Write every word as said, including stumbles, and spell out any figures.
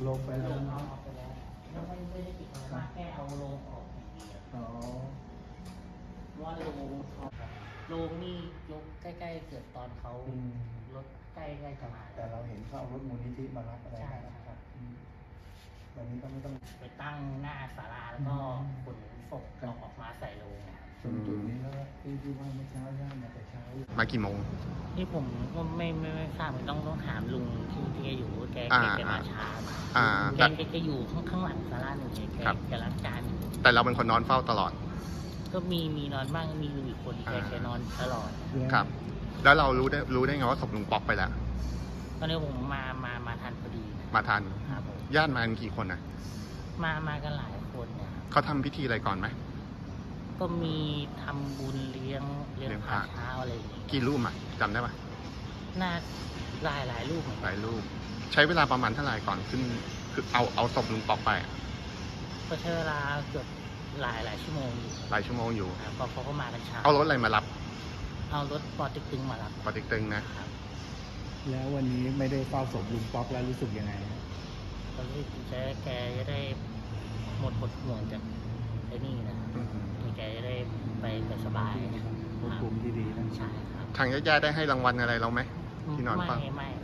ลงไปแล้วลงนะเอาออกไปแล้วแล้วไม่ไม่ได้ติดอะไรมากแค่เอาลงออกอย่างเดียวอ๋อว่าลงลงนี่ยกใกล้ๆเกิดตอนเขาอืมรถใกล้ๆจะมาแต่เราเห็นเขาเอารถมูลนิธิมารับอะไรใช่นะครับอืมวันนี้ก็ไม่ต้องไปตั้งหน้าศาลาแล้วก็ขนศพออกมาใส่โลงนะครับตรงจุดนี้แล้วที่ที่ว่าเมื่อเช้าย่ามาแต่เช้ามากี่โมงนี่ผมก็ไม่ไม่ไม่ทราบผมต้องต้องถามลุงที่ที่แกอยู่แกอ่าแกแกมาช้าอ่าแกแต่แกแกอยู่ข้างข้างหลังศาลาหนึ่งแกแกครับแกล้างจานอยู่แต่เราเป็นคนนอนเฝ้าตลอดก็มีมีนอนบ้างมีลุงอีกคนแกอ่าแกนอนตลอดครับ แล้วเรารู้ได้รู้ได้ไงว่าศพลุงป๊อกไปแล้วตอนนี้ผมมามามาทันพอดีนะมาทันครับผมญาติมากันกี่คนนะมามากันหลายคนเนี่ยครับเขาทำพิธีอะไรก่อนไหมก็มีทำบุญเลี้ยงเลี้ยเลี้งยงพพระระเช้าอะไรอย่างเงี้ยกี่รูปอ่ะจำได้ปะน่าหลายหลายรูปเหมือนหกันลายรูป ใช้เวลาประมาณเท่าไหร่ก่อนขึ้น คือเอาเอาศพลุงป๊อกไปอะก็ใช้เวลาเกือบหลายหลายชั่วโมงอยู่หลายชั่วโมงอยู่ครับเพราะเขาก็มากันเช้าเอารถอะไรมารับเอารถปอติ๊กตึงมารับปอเติ๊กตึงนะครับแล้ววันนี้ไม่ได้เฝ้าศพลุงป๊อกแล้วรู้สึกยังไงนะก็รู้สึกจะแกจะได้หมดหมดห่วงจากไอ้นี่นะอืมที่แกจะได้ไปไปสบายนะควบคุมที่ดีนะใช่ครับทางญาติๆได้ให้รางวัลอะไรเราไหม ที่นอนไม่เฝ้าไม่